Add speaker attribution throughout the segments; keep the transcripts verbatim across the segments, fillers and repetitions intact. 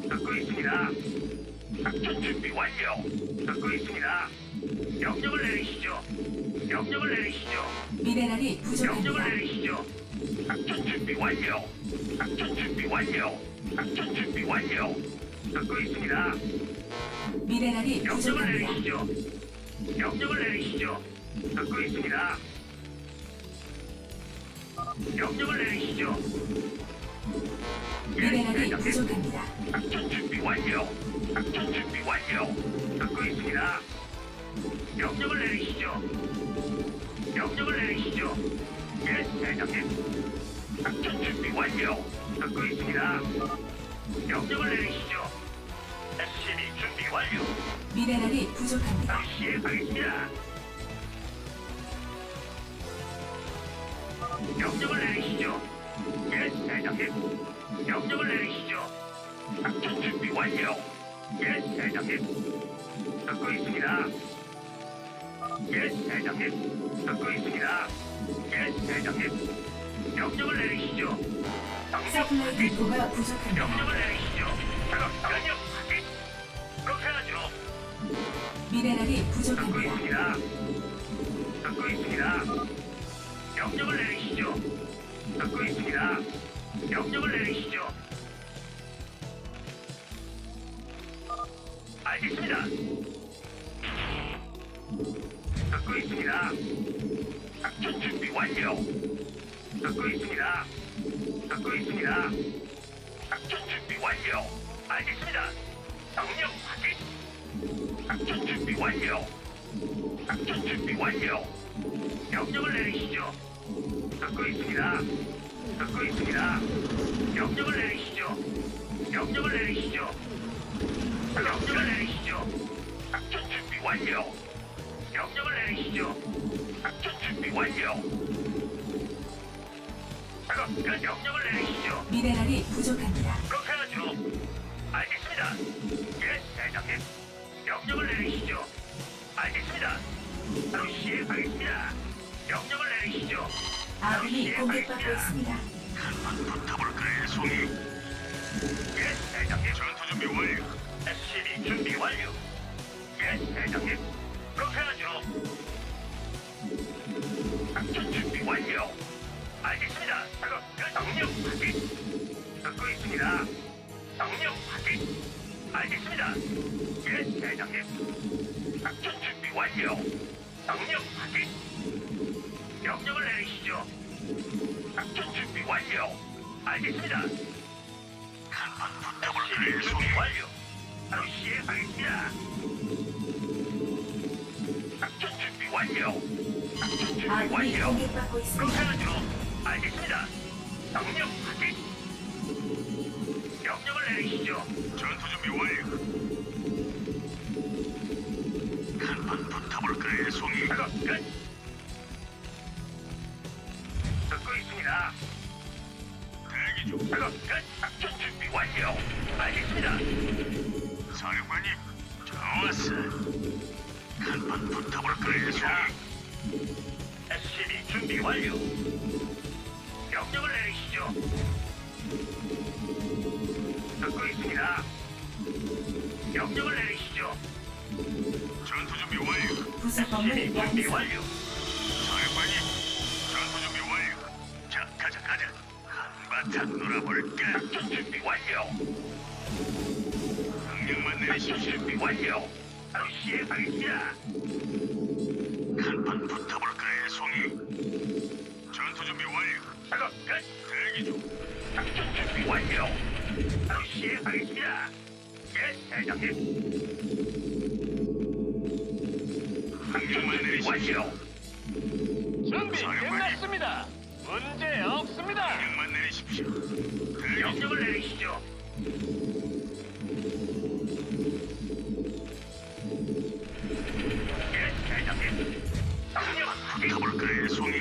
Speaker 1: 듣고 있습니다. 작전 준비 완료. 듣고 있습니다. 명령을 내리시죠. 명령을 내리시죠.
Speaker 2: 미네랄이 부족합니다.
Speaker 1: 명령을 내리시죠. 작전 준비 완료. 작전 준비 완료. 작전 준비 완료. 듣고 있습니다.
Speaker 2: 미네랄이
Speaker 1: 명령을
Speaker 2: 부족합니다.
Speaker 1: 내리시죠. 명령을 내리시죠. 듣고 있습니다. 명령을 내리시죠. 예,
Speaker 2: 미네랄이
Speaker 1: 대장님.
Speaker 2: 부족합니다.
Speaker 1: 작전 준비 완료. 작전 준비 완료. 듣고 있습니다. 명령을 내리시죠. 명령을 내리시죠. 예, 대장님. 작전 준비 완료. 듣고 있습니다. 명령을 내리시죠. 에스씨비 준비 완료.
Speaker 2: 미네랄이 부족합니다.
Speaker 1: 바로 시행하겠습니다. 명령을 내리시죠. 예, 대장님. 명령을 내리시죠. 작전 준비 완료. 예, 대장님. 듣고 있습니다. 예, 대장님. 듣고 있습니다. 예, 대장님. 명령을 내리시죠. 명령
Speaker 2: 서플라이
Speaker 1: 확인.
Speaker 2: 디포가 부족합니다.
Speaker 1: 명령을 내리시죠. 작업 명령 확인. 그렇게 하죠.
Speaker 2: 미네랄이
Speaker 1: 듣고
Speaker 2: 부족합니다.
Speaker 1: 있습니다. 듣고 있습니다. 명령을 내리시죠. 듣고 있습니다. 명령을 내리시죠. 알겠습니다. 듣고 있습니다. 작전 준비 완료. 듣고 있습니다. 듣고 있습니다. 작전 준비 완료. 알겠습니다. 명령 확인. 작전 준비 완료. 작전 준비 완료. 명령을 내리시죠. 듣고 있습니다. 듣고 있습니다. 명령을 내리시죠. 명령을 내리시죠. 명령을 내리시죠. 작전 준비 완료. 명령을 내리시죠. 작전 준비 완료. 작업 끝. 명령을 내리시죠.
Speaker 2: 미네랄이 부족합니다.
Speaker 1: 그렇게 하죠. 알겠습니다. 예, 대장님. 명령을 내리시죠. 알겠습니다. 바로 시행하겠습니다. 명령을 내리시죠. 바로
Speaker 2: 아군이 공격받고
Speaker 1: 시행하겠습니다.
Speaker 2: 있습니다.
Speaker 1: 한번 붙어볼까요, 송이? 예, 대장님. 전투 준비 완료. 에스씨비 준비 완료. 예, 대장님. 그렇게 하죠. 작전 준비 완료. 알겠습니다. 작업 끝. 명령 확인. 듣고 있습니다. 명령 확인. 알겠습니다. 예, 대장님. 작전 준비 완료. 명령 확인. 명령을 내리시죠. 작전 준비 완료. 알겠습니다. 한번 붙어볼까요? 준비 완료. 바로 시행하겠습니다. 작전 준비 완료. 작전 준비
Speaker 2: 아군이
Speaker 1: 완료.
Speaker 2: 공격받고
Speaker 1: 그렇게
Speaker 2: 있습니다.
Speaker 1: 하죠. 알겠습니다. 명령 확인. 명령을 내리시죠. 전투 준비 완료. 한번 붙어볼까요, 송이? 작업 끝. 듣고 있습니다. 대기 중. 작업 끝. 작전 준비 완료. 알겠습니다. 사령관님, 좋았어. 한번 붙어볼까요, 송이? 에스씨비 준비 완료. 명령을 내리시죠. 듣고 있습니다. 명령을 내리시죠. 전투 준비 완료.
Speaker 2: 부속건물
Speaker 1: 에스씨비 준비
Speaker 2: 완성.
Speaker 1: 완료. 사령관님, 전투 준비 완료. 자, 가자, 가자. 한바탕 놀아볼까? 작전 준비 완료. 명령만 내리십시오. 작전 준비 완료. 바로 시행하겠습니다. 한판 붙어볼까요, 송이? 전투 준비 완료. 작업 끝. 대기 중. 작전 준비 완료. 바로 시행하겠습니다. 예, 대장님. 명령만 내리십시오.
Speaker 3: 준비 끝났습니다. 문제 없습니다.
Speaker 1: 명령만 내리십시오. 명령을 내리시죠. 예, 대장님. 명령 확인. 붙어볼까요, 송이?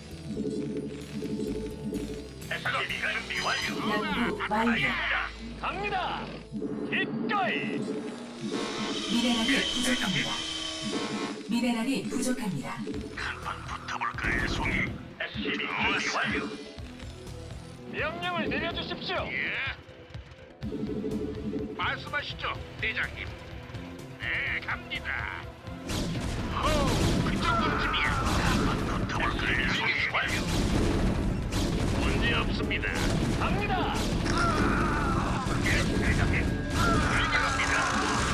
Speaker 1: 에스씨비가 준비 완료.
Speaker 2: 연구 완료.
Speaker 1: 알겠습니다.
Speaker 3: 갑니다. 기꺼이.
Speaker 2: 미네랄이 부족합니다. 미네랄이 부족합니다.
Speaker 1: 한번 붙어볼까요, 송이? 에스씨비 준비 완료.
Speaker 3: 명령을 내려주십시오.
Speaker 1: 예. 말씀하시죠, 대장님. 네, 갑니다. 호, 그 정도쯤이야. 붙어볼까요, 송이? 완료. 문제 없습니다.
Speaker 3: 갑니다.
Speaker 1: 예, 대장님. 알겠습니다.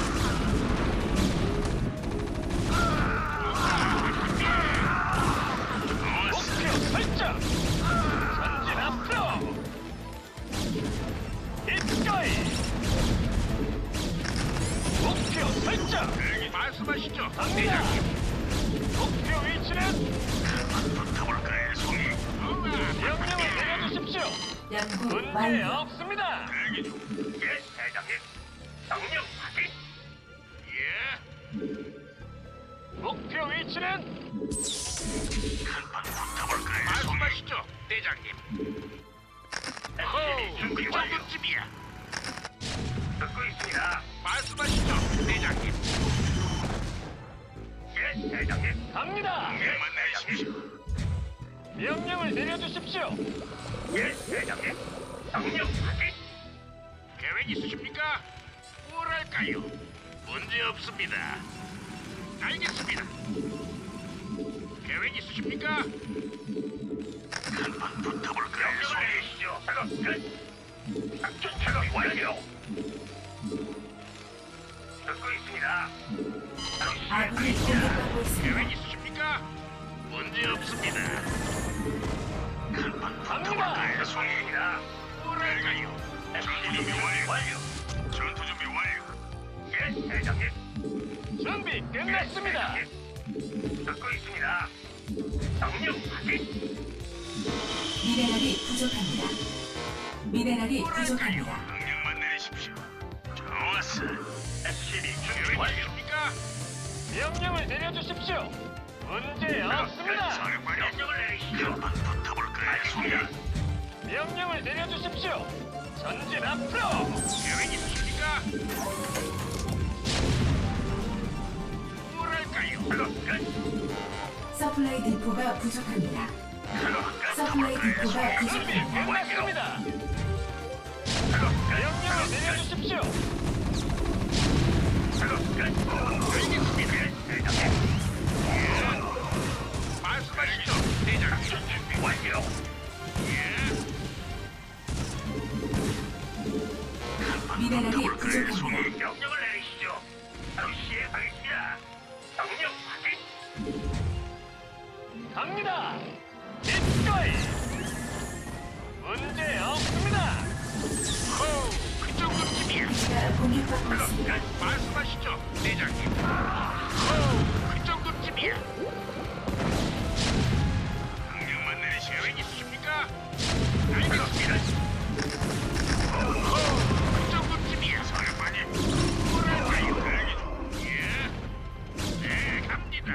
Speaker 3: 목표 설정. 전진 앞으로. 기꺼이. 목표 설정.
Speaker 1: 네, 말씀하시죠,
Speaker 3: 갑니다.
Speaker 1: 대장님.
Speaker 3: 목표 위치는
Speaker 1: 붙어볼까요, 송이?
Speaker 3: 명령을 내려주십시오.
Speaker 2: 연구
Speaker 3: 문제
Speaker 2: 완료.
Speaker 3: 없습니다.
Speaker 1: 대기 중. 예, 대장님. 명령 확인. 예.
Speaker 3: 목표 위치는
Speaker 1: 붙어볼까요, 말씀하시죠, 대장님. 호, 그 정도쯤이야. 듣고 있습니다. 말씀하시죠, 대장님. 예, 대장님.
Speaker 3: 갑니다.
Speaker 1: 명령만 내리십시오.
Speaker 3: 명령을 내려주십시오.
Speaker 1: 예, 대장님. 명령 확인. 계획 있으십니까? 뭐랄까요? 문제 없습니다. 알겠습니다. 계획 있으십니까? 한번 붙어볼까요? 명령을 내리시죠. 작업 끝. 작전 작업 완료. 듣고 있습니다.
Speaker 2: 아군이 공격받고 있습니다.
Speaker 1: 계획 있으십니까? 문제 없습니다. 한번
Speaker 3: 갑니다.
Speaker 1: 송이입니다. 뭐랄까요? 전투 준비 완료. 전투 준비 완료. 예, 대장님.
Speaker 3: 준비 끝났습니다.
Speaker 1: 예, 대장님. 듣고 있습니다. 명령 확인.
Speaker 2: 미네랄이 부족합니다. 미네랄이 부족합니다.
Speaker 1: 명령만 내리십시오. 좋았어. 에스씨비 준비 완료입니까?
Speaker 3: 명령을 내려주십시오. 문제 없습니다.
Speaker 1: 명령을 내리시죠. 한번 붙어볼까요, 송이?
Speaker 3: 명령을 내려주십시오. 전진 앞으로.
Speaker 1: 계획 있으십니까? 뭐랄까요? 작업 끝.
Speaker 2: 서플라이 디포가 부족합니다.
Speaker 1: 작업 끝.
Speaker 2: 서플라이 디포가
Speaker 3: 준비
Speaker 2: 부족합니다.
Speaker 3: 끝났습니다.
Speaker 1: 작업 끝.
Speaker 3: 명령을 내려주십시오.
Speaker 1: 작업 끝. 알겠습니다. 대장님. 예. 말씀하시죠, 대장님. 준비 완료. 예.
Speaker 2: 미네랄이 부족합니다.
Speaker 1: 명령을 내리시죠. 바로 시행하겠습니다. 명령 확인.
Speaker 3: 갑니다. 기꺼이. 문제 없습니다.
Speaker 1: 호, 그 정도쯤이야.
Speaker 2: 기지가 공격받고
Speaker 1: 작업
Speaker 2: 있습니다.
Speaker 1: 끝. 말씀하시죠, 대장님. 호, 그 정도쯤이야. 명령만 내리시 계획 있으십니까? 알겠습니다. 호, 그 정도쯤이야, 사령관님. 뭐랄까요, 대기 중. 예. 네, 갑니다.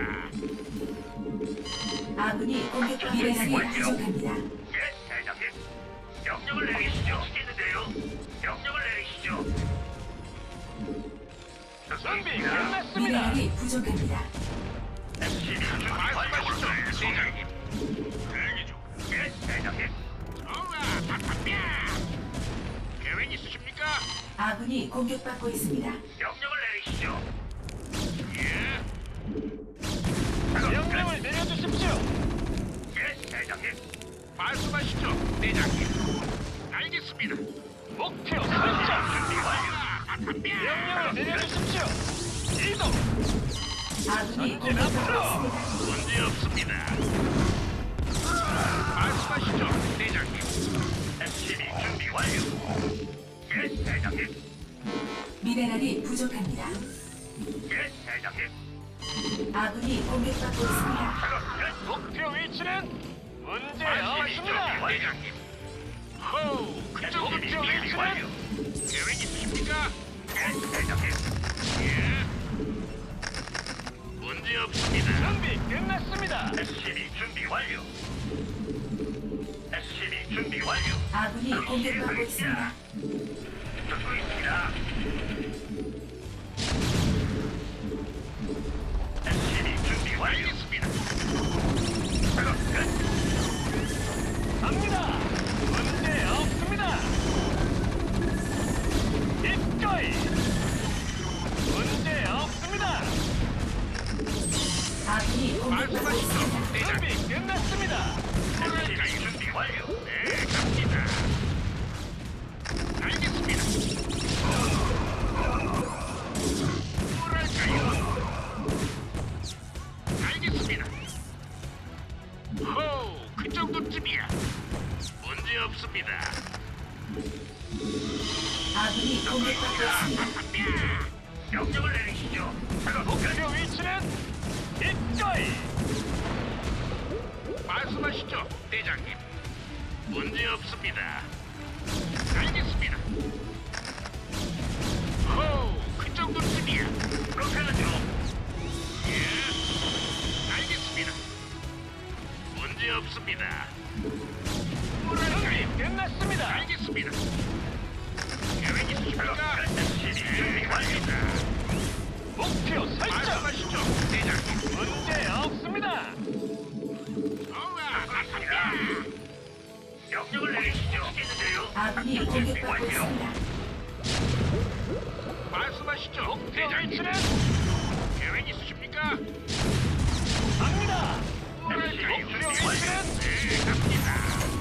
Speaker 2: 아군이 공격 미네랄이 부족합니다.
Speaker 1: 예, 대장님. 명령을 내리시죠. 시겠는데요. 명령을 내리시죠.
Speaker 3: 준비 끝났습니다.
Speaker 2: 미네랄이 부족합니다.
Speaker 1: 말씀하시죠, 대장님. 대기 중. 예, 대장님. 좋아, 바탕뼈. 계획 있으십니까?
Speaker 2: 아군이 공격받고 있습니다.
Speaker 1: 명령을 내리시죠. 예.
Speaker 3: 명령을 내려주십시오.
Speaker 1: 예, 대장님. 말씀하시죠, 대장님. 알겠습니다.
Speaker 3: 목표 설정.
Speaker 1: 준비 완료. 바탕뼈.
Speaker 3: 명령을 내려주십시오. 이동.
Speaker 2: 아군이
Speaker 3: 전진 앞으로.
Speaker 2: 공격받고 있습니다.
Speaker 1: 문제 없습니다. 말씀하시죠, 대장님. 에스씨비 준비 완료. 예, 대장님.
Speaker 2: 미네랄이 부족합니다.
Speaker 1: 예, 대장님.
Speaker 2: 아군이 공격받고 있습니다.
Speaker 1: 작업 끝.
Speaker 3: 목표 위치는 문제
Speaker 1: 말씀하시죠,
Speaker 3: 없습니다.
Speaker 1: 대장님. 호, 그 정도
Speaker 3: 목표
Speaker 1: 준비
Speaker 3: 위치는
Speaker 1: 완료. 계획 있으십니까? 예, 대장님. 예. 문제 없습니다.
Speaker 3: 준비 끝났습니다.
Speaker 1: 에스씨비 준비 완료. 에스씨비 준비 완료.
Speaker 2: 아군이 공격받고 있습니다.
Speaker 1: 듣고 있습니다. 에스씨비 준비 완료. 알겠습니다. 작업 끝.
Speaker 3: 갑니다. 문제 없습니다. 기꺼이.
Speaker 2: 공격받고 있습니다.
Speaker 1: 명령을 내리시죠. 작업 끝.
Speaker 3: 목표 위치는 이꺼이.
Speaker 1: 말씀하시죠, 대장님. 문제 없습니다. 알겠습니다. 호, 그 정도쯤이야. 그렇게 하죠. 예, 알겠습니다. 문제 없습니다.
Speaker 3: 준비 끝났습니다.
Speaker 1: 알겠습니다. 계획 있으십니까? 준비 완료다.
Speaker 3: 목표 설정.
Speaker 1: 말씀하시죠, 대장님.
Speaker 3: 문제 없습니다.
Speaker 1: 어라, 맞습니다. 명령을 내리시죠. 시겠는데요?
Speaker 2: 아군이 공격받고 있습니다.
Speaker 1: 말씀하시죠,
Speaker 3: 목표
Speaker 1: 대장님.
Speaker 3: 위치는
Speaker 1: 계획 있으십니까?
Speaker 3: 갑니다.
Speaker 1: 목표
Speaker 3: 목표 위치는
Speaker 1: 네, 갑니다.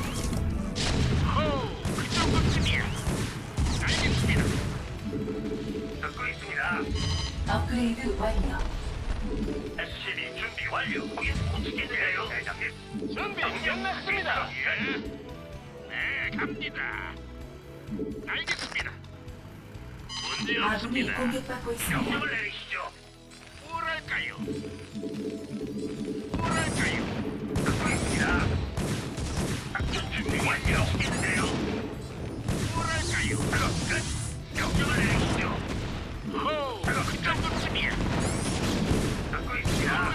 Speaker 1: 호, 그 정도쯤이야. 알겠습니다. 듣고 있습니다.
Speaker 2: 업그레이드 완료.
Speaker 1: 에스씨비 준비 완료. 거긴 못 지키는데요, 대장님.
Speaker 3: 준비 끝났습니다.
Speaker 1: 예. 네, 갑니다. 알겠습니다. 문제
Speaker 2: 아군이
Speaker 1: 없습니다.
Speaker 2: 공격받고 있습니다.
Speaker 1: 명령을 내리시죠. 뭐랄까요? 뭐랄까요? 듣고 있습니다. 작전 준비 완료. 시키는데요. 뭐랄까요? 작업 끝. 명령을 내리시죠. 호, 작업 그 정도쯤이야. 듣고 있습니다.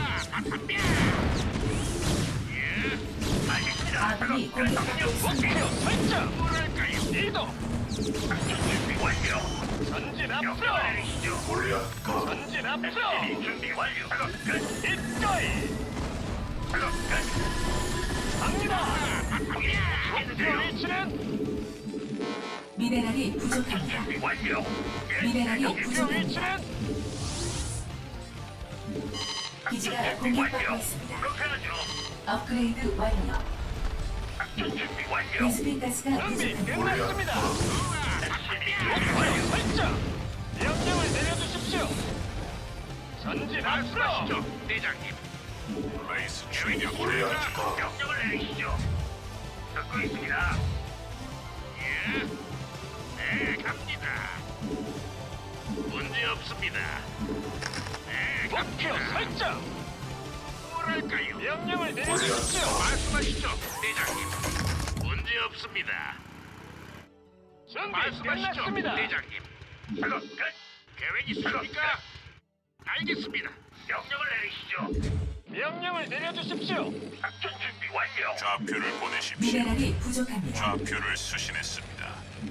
Speaker 1: 예, 알겠습니다.
Speaker 2: 아군이 공격받고 있습니다.
Speaker 3: 목표 설정.
Speaker 1: 뭐랄까요?
Speaker 3: 이동.
Speaker 1: 작전 준비 완료.
Speaker 3: 전진 앞으로.
Speaker 1: 명령을 내리시죠.
Speaker 3: 전진 앞으로.
Speaker 1: 에스씨비 준비 완료. 작업 끝.
Speaker 3: 이꺼이.
Speaker 1: 작업 끝.
Speaker 3: 갑니다. 목표
Speaker 1: 시키는데요.
Speaker 3: 위치는
Speaker 2: 미네랄이 부족합니다.
Speaker 1: 준비 완료. 예,
Speaker 2: 미네랄이
Speaker 1: 대장님.
Speaker 3: 목표
Speaker 2: 부족합니다.
Speaker 3: 위치는
Speaker 2: 기지가
Speaker 1: 준비
Speaker 2: 공격받고
Speaker 1: 완료.
Speaker 2: 있습니다.
Speaker 1: 그렇게 하죠.
Speaker 2: 업그레이드 완료.
Speaker 1: 작전 준비 완료.
Speaker 2: 베스핀 가스가
Speaker 3: 준비
Speaker 2: 부족합니다.
Speaker 3: 끝났습니다.
Speaker 1: 에스씨비 준비
Speaker 3: 목표
Speaker 1: 완료.
Speaker 3: 설정. 명령을 내려주십시오. 전진 앞으로.
Speaker 1: 말씀하시죠, 대장님.
Speaker 4: 레이스
Speaker 1: 계획
Speaker 4: 출격
Speaker 1: 있습니까? 명령을 내리시죠. 듣고 있습니다. 예, 네, 갑니다. 문제 없습니다. 네,
Speaker 3: 목표
Speaker 1: 갑니다.
Speaker 3: 설정.
Speaker 1: 뭐랄까요?
Speaker 3: 명령을 내려주십시오.
Speaker 1: 말씀하시죠, 대장님. 문제 없습니다.
Speaker 3: 준비
Speaker 1: 말씀하시죠,
Speaker 3: 끝났습니다.
Speaker 1: 대장님. 작업 끝. 계획 있으십니까? 알겠습니다. 명령을 내리시죠.
Speaker 3: 명령을 내려주십시오.
Speaker 1: 작전 준비 완료.
Speaker 4: 좌표를 보내십시오.
Speaker 2: 미네랄이 부족합니다.
Speaker 4: 좌표를 수신했습니다.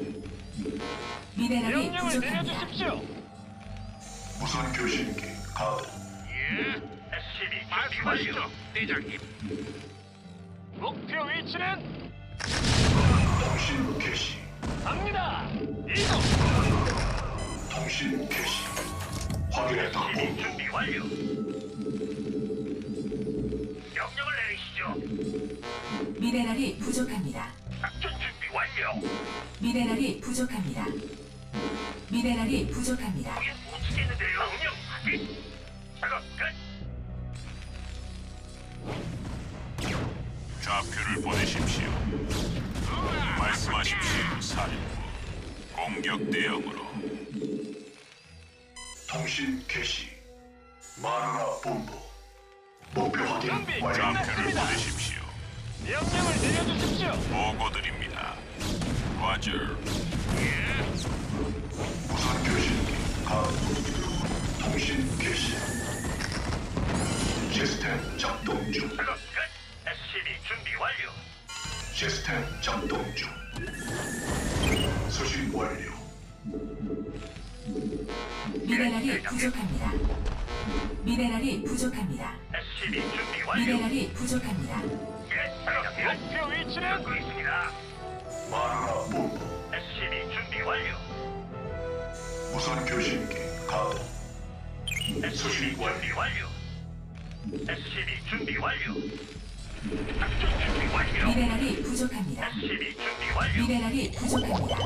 Speaker 2: 미네랄이
Speaker 3: 명령을
Speaker 2: 부족합니다.
Speaker 3: 내려주십시오.
Speaker 5: 무선 교신기 가동.
Speaker 1: 예, 에스씨비 말씀하시죠, 대장님.
Speaker 3: 목표 위치는
Speaker 5: 통신 개시.
Speaker 3: 갑니다. 이동.
Speaker 5: 통신 개시. 확인했다.
Speaker 1: 에스씨비 준비 완료. 명령을 내리시죠.
Speaker 2: 미네랄이 부족합니다.
Speaker 1: 작전 준비 완료.
Speaker 2: 미네랄이 부족합니다. 미네랄이 부족합니다.
Speaker 1: 거긴 못 치겠는데요. 명령 확인. 작업 끝.
Speaker 4: 좌표를 보내십시오. 말씀하십시오, 사령부. 공격 대응으로.
Speaker 5: 통신 개시. 마누라 본부. 목표 확인
Speaker 3: 준비
Speaker 5: 완료.
Speaker 4: 좌표를
Speaker 3: 끝났습니다.
Speaker 4: 보내십시오.
Speaker 3: 명령을 내려주십시오.
Speaker 4: 보고드립니다. 과저.
Speaker 5: 무선 교신기 가동. 통신 개시. 시스템 작동 중.
Speaker 1: 작업 끝. 에스씨비 준비 완료.
Speaker 5: 시스템 작동 중. 수신 완료.
Speaker 2: 미네랄이 부족합니다. 미네랄이 부족합니다.
Speaker 1: 에스씨비 준비 완료.
Speaker 2: 미네랄이 부족합니다.
Speaker 1: 예, 작업 끝.
Speaker 3: 목표 위치는
Speaker 1: 듣고 있습니다.
Speaker 5: 마누라 본부.
Speaker 1: 에스씨비 준비 완료.
Speaker 5: 무선 교신기 가동.
Speaker 1: 에스씨비
Speaker 5: 수신 완료.
Speaker 1: 준비 완료. 에스씨비 준비 완료. 작전 준비 완료.
Speaker 2: 미네랄이 부족합니다.
Speaker 1: 에스씨비 준비 완료.
Speaker 2: 미네랄이 부족합니다.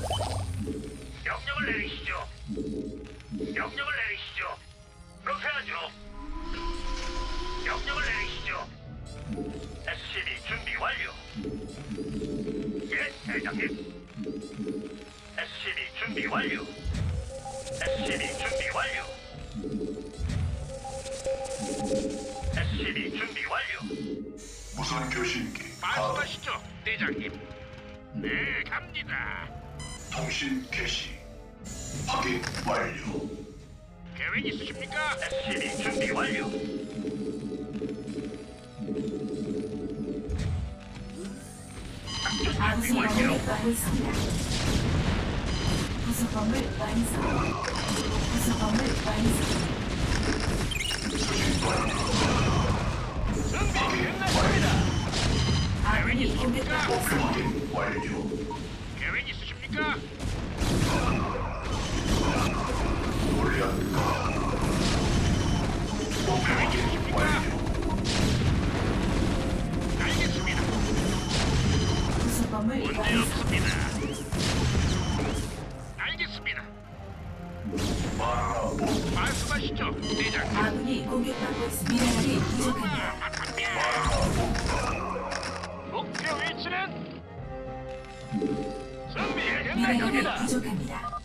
Speaker 1: 명령을 내리시죠. 명령을 내리시죠. 그렇게 하죠. 명령을 내리시죠. 에스씨비 준비 완료. 예, 대장님. 에스씨비 준비 완료. 에스씨비 준비 완료. 에스씨비 준비 완료.
Speaker 5: 무선 교신기 가동.
Speaker 1: 말씀하시죠, 대장님. 네, 갑니다.
Speaker 5: 통신 개시. 확인 완료.
Speaker 1: 계획 있으십니까? 에스씨비 준비 완료.
Speaker 2: 아군
Speaker 1: 준비 완료.
Speaker 2: 건물 완성. 부속 건물 완성. 부속 건물 완성.
Speaker 5: 수신 완료.
Speaker 3: 준비 끝났습니다.
Speaker 2: 아군이 공격받고 있습니다.
Speaker 5: 확인 완료.
Speaker 1: 계획 있으십니까?
Speaker 5: 골리앗 가동. 목표 확인 완료.
Speaker 1: 알겠습니다.
Speaker 2: 부속 건물
Speaker 1: 문제
Speaker 2: 완성.
Speaker 1: 없습니다. 알겠습니다.
Speaker 5: 마라 본부.
Speaker 1: 말씀하시죠, 대장님.
Speaker 2: 아군이 공격받고 있습니다. 미네랄이 부족합니다.
Speaker 5: 마라 본부.
Speaker 3: 목표 위치는 준비
Speaker 2: 미네랄이
Speaker 3: 끝났습니다.
Speaker 2: 부족합니다.